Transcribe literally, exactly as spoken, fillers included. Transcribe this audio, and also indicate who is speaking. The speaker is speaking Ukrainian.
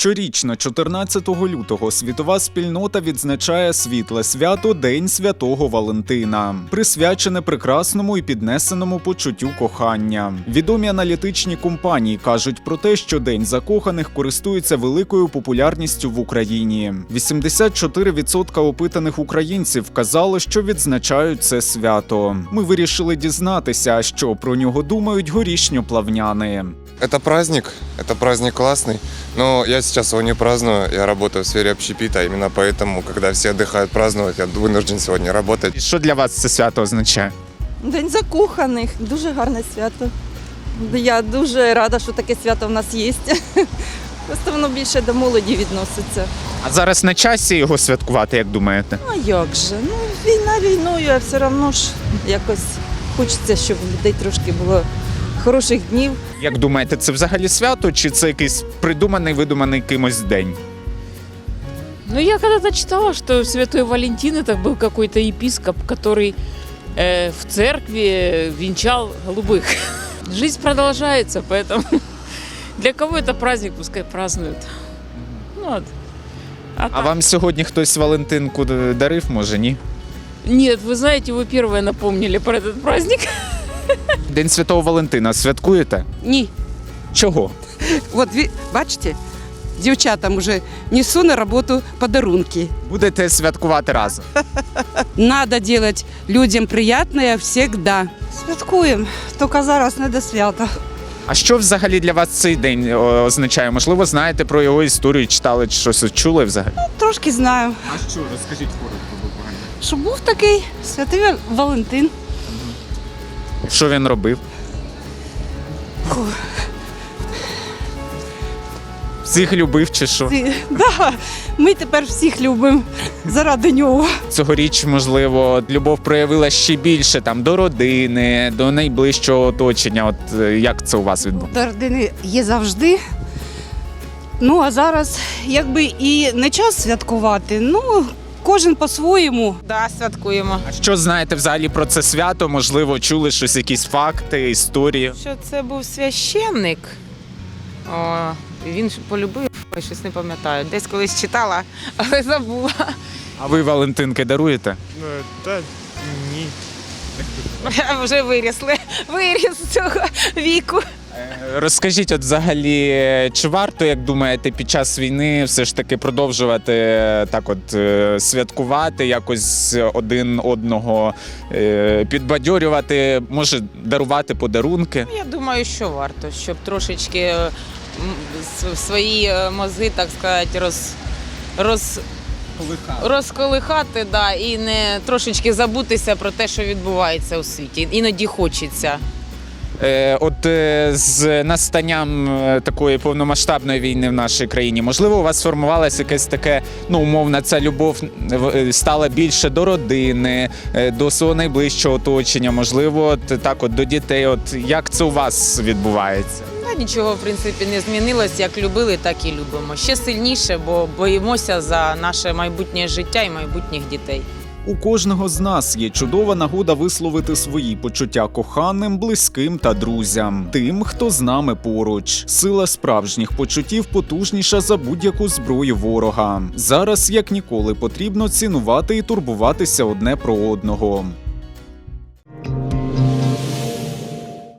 Speaker 1: Щорічно, чотирнадцятого лютого, світова спільнота відзначає світле свято День Святого Валентина, присвячене прекрасному і піднесеному почуттю кохання. Відомі аналітичні компанії кажуть про те, що День закоханих користується великою популярністю в Україні. вісімдесят чотири відсотки опитаних українців вказали, що відзначають це свято. Ми вирішили дізнатися, що про нього думають горішньоплавняни.
Speaker 2: Это праздник, это праздник классный, но я сейчас его не праздную, я работаю в сфере общепита, именно поэтому, когда все отдыхают праздновать, я вынужден сегодня работать.
Speaker 1: І що для вас це свято означає?
Speaker 3: День закоханих, дуже гарне свято. Я дуже рада, що таке свято в нас є. Просто воно більше до молоді відноситься.
Speaker 1: А зараз на часі його святкувати, як думаєте?
Speaker 3: А як же? Ну, війна війною, а все одно ж якось хочеться, щоб у людей трошки було хороших днів.
Speaker 1: Як думаєте, це взагалі свято, чи це якийсь придуманий, видуманий кимось день?
Speaker 4: Ну, я когда-то читала, что Святой Валентин это был какой-то епископ, который э, в церкви венчал голубых. Жизнь продолжается, поэтому для кого это праздник, пускай празднуют. Ну, вот. А
Speaker 1: А
Speaker 4: так-
Speaker 1: вам сьогодні хтось Валентинку дарив, може, ні?
Speaker 4: Нет, вы знаете, вы первые напомнили про этот праздник.
Speaker 1: День Святого Валентина святкуєте?
Speaker 5: Ні.
Speaker 1: Чого?
Speaker 5: От ви бачите, дівчатам уже несу на роботу подарунки.
Speaker 1: Будете святкувати разом.
Speaker 5: Надо делать людям приятное всегда.
Speaker 3: Святкуємо, тільки зараз не до свята.
Speaker 1: А що взагалі для вас цей день о, означає? Можливо, знаєте про його історію, читали, чи щось чули взагалі?
Speaker 3: Трошки знаю,
Speaker 1: А що, розкажіть коротко буквально.
Speaker 3: що був такий святий Валентин.
Speaker 1: Що він робив? Всіх любив чи що?
Speaker 3: Да, ми тепер всіх любимо заради нього.
Speaker 1: Цьогоріч, можливо, любов проявила ще більше там до родини, до найближчого оточення. От е, як це у вас відбувається?
Speaker 3: До родини є завжди. Ну, а зараз якби і не час святкувати, ну, кожен по-своєму.
Speaker 6: Да, святкуємо.
Speaker 1: А що знаєте взагалі про це свято? Можливо, чули щось, якісь факти, історії?
Speaker 6: Що це був священник. О, він ж полюбив, я щось не пам'ятаю. Десь колись читала, але забула.
Speaker 1: А ви Валентинки даруєте?
Speaker 7: Та ні.
Speaker 6: Вже вирісли. Виріс з цього віку.
Speaker 1: Е, Розкажіть, от взагалі, чи варто, як думаєте, під час війни все ж таки продовжувати е, так от е, святкувати, якось один одного е, підбадьорювати, може дарувати подарунки?
Speaker 6: Я думаю, що варто, щоб трошечки м, с- свої е, мозги, так сказати, роз, роз, розколихати, да, і не трошечки забутися про те, що відбувається у світі. Іноді хочеться.
Speaker 1: Е, От е, з настанням е, такої повномасштабної війни в нашій країні, можливо, у вас сформувалася якась таке, ну, умовна, ця любов е, стала більше до родини, е, до свого найближчого оточення, можливо, от, так от до дітей. От як це у вас відбувається?
Speaker 6: Та нічого, в принципі, не змінилось. Як любили, так і любимо. Ще сильніше, бо боїмося за наше майбутнє життя і майбутніх дітей.
Speaker 1: У кожного з нас є чудова нагода висловити свої почуття коханим, близьким та друзям, тим, хто з нами поруч. Сила справжніх почуттів потужніша за будь-яку зброю ворога. Зараз, як ніколи, потрібно цінувати і турбуватися одне про одного.